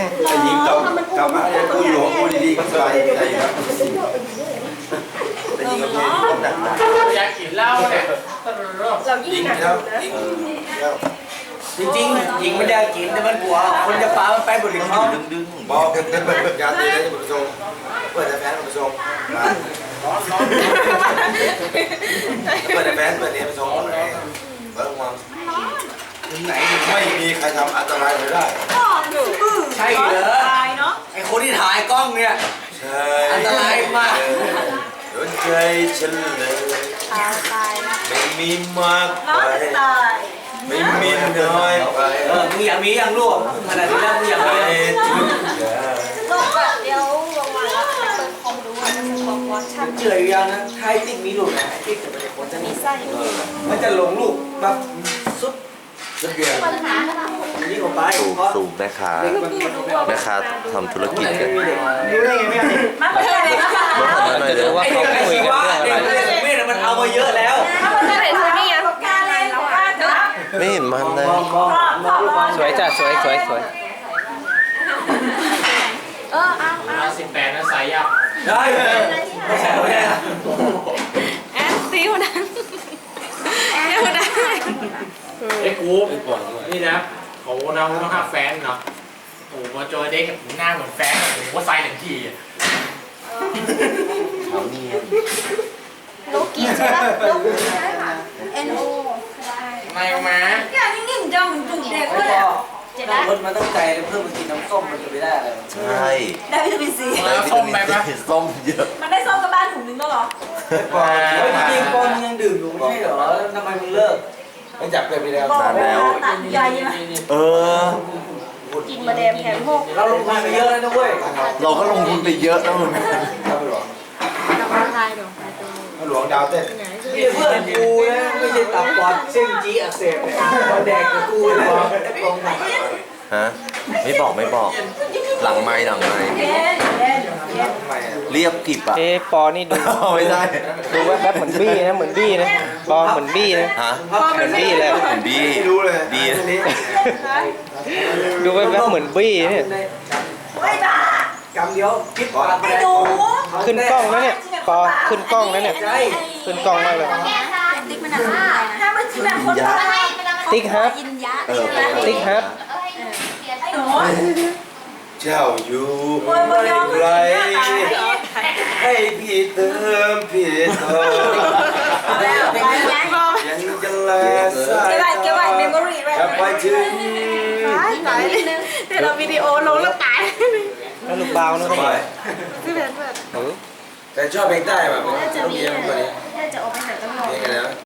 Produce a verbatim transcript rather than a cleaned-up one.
แต่ยิงกำกำมาเนี่ยกูอยู่ของกูดีๆก็สบายใจครับแต่ยิงกับเมียนี่หนักหนักอยากกินเหล้าเนี่ยเรายิ่ยิงงหนักแล้วนะยิงแล้วจริงๆหญิงไม่ได้กินแต่มันกลัวคนจะฟ้ามันไปบนหลิงเขาดึงดึงบอกกันเปิดการตีได้บุญทรงเปิดแต่แฟนบุญทรงเปิดแต่แฟนเปิดเนี่ยบุญทรงเปิดวางไหนไม่มีใครทำอันตรายเลยได้ใช่เหรอไอคนที่ถ่ายกล้องเนี่ยใช่อันตรายมากโดนใจฉันเลยไม่มีมากไปไม่มีน้อยไปเออมึงอยากมียังลูกขนาดนี้แล้วมึงอยากมีอะไรทุกอย่างลูกแบบเดี๋ยวลงมาแล้วเปิดคอมดูว่าจะคอมวอชชั่นเฉยยังนะใครติ๊กมีลูกนะติ๊กจะเป็นคนจะมีมีไส้มันจะหลงลูกแบบซุปสักอย่างปัญหาก็ทนี่ออกไปสูบเพราะสูบแม่ค้าแม่ค้าทำธุรกิจกันรู้ได้ไงแม่เนี่ยำมาเพื่อนเลยนะคะเมื่อก่อนไม่ได้ว่าไอ้เขาเด็กคุยชีกันวะเรื่องเด็อะไรกเด็กมันเอามาเยอะแล้วถ้าเพื่อนเห็นเธอนี่ไงเขากล้าเล่นเรากล้าจับไม่เห็นมันเลยมองมองมองลูกบอลสวยจ้ะสวยสวยสวยเออเอาเวลาสิบแปดนะสายยับได้ไม่ใช่ไม่ใช่แอนซิวนั้นแอนซิวนั้นไอ้กูนี่นะโอ้โหน้องน้องห้าแฟนเนาะโอ้โหมาเจอเด็กหน้าเหมือนแฟนโอ้โหใส่หนึ่งทีอ่ะเขาเนียนโลกิใช่ปะโลกิใช่ค่ะ N O ไม่มาอย่างนี้นิ่งจังเหมือนจุ่มเด็กไม่เลยพอเจ็ดนั่นะงรถมาตั้งใจเพิ่มมากินน้ำส้มมันจะไม่ได้อะไรใช่ได้วิตามินซีแล้วส้มไปปะส้มเยอะมันได้ส้มกับบ้านถุงนึงแล้วเหรอปอจริงๆปอนยังดื่มอยู่ไม่ใช่เหรอทำไมมึงเลิกไม่จับเป็นไปแล้วบอกว่าตัดใหญ่ไหมเออกินมาแดมแถมโมกเราลงทุนไปเยอะแล้วนะเว้ยเราก็ลงทุนไปเยอะนะมึงครับหลวงทายดอกทายตัวหลวงดาวเต้นนี่เพื่อนกูนะไม่ใช่ตับปอดเส้นจีอักเสบเนี่ยมาแดกกับกูเลยลงมาฮะไม่บอกไม่บอก หลังไม้หลังไม้เย็นเย็นเย็นทำไมอ่ะเรียบกริบอ่ะเอ๊ะปอนี่ดูไม่ได้ดูแวบๆเหมือนบี้นะเหมือนบี้นะปอเหมือนบี้นะฮะเหมือนบี้เลยเหมือนบี้ไม่รู้เลยบี้นะดูแวบๆเหมือนบี้เนี่ยไม่บ้ากำเดียวคิดปากไอ้หนูขึ้นกล้องแล้วเนี่ยปอขึ้นกล้องแล้วเนี่ยขึ้นกล้องมากเลยติ๊กมันอะไรถ้ามันจะแบบคนบ้าติ๊กฮับยินยะเออใช่ไหมติ๊กฮับไอ้หนูเจ้าอยู่โอ้ยบอยอมไรเหรอให้พี่เติมพี่เติมแล้วไปไงยังจะแลสายเก็บไว้เก็บไว้เมมโมรี่ไว้จะไปถึงตายนิดนึงเดี๋ยวเราวิดีโอลงแล้วตายแล้วลูกเบานะสบายพี่เบนเปิดเออแต่ชอบเพลงใต้แบบจะ